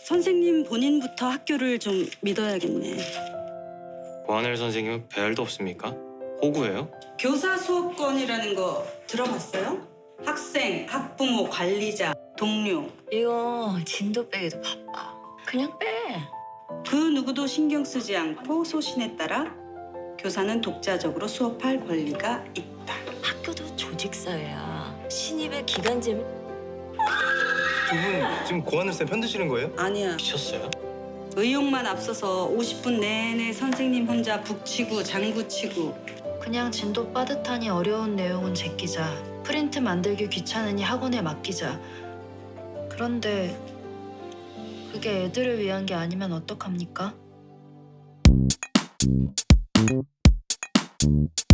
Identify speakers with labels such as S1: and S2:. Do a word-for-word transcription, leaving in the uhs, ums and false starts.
S1: 선생님 본인부터 학교를 좀 믿어야겠네.
S2: 고하늘 선생님은 배알도 없습니까? 호구예요?
S1: 교사 수업권이라는 거 들어봤어요? 학생, 학부모, 관리자, 동료
S3: 이거 진도 빼기도 바빠. 그냥 빼.
S1: 그 누구도 신경 쓰지 않고 소신에 따라 교사는 독자적으로 수업할 권리가 있다.
S3: 학교도 조직사회야. 신입의 기간제.
S4: 두 분 지금 고하늘 쌤 편드시는 거예요?
S1: 아니야.
S2: 미쳤어요?
S1: 의욕만 앞서서 오십 분 내내 선생님 혼자 북치고 장구치고.
S5: 그냥 진도 빠듯하니 어려운 내용은 제끼자. 프린트 만들기 귀찮으니 학원에 맡기자. 그런데 그게 애들을 위한 게 아니면 어떡합니까?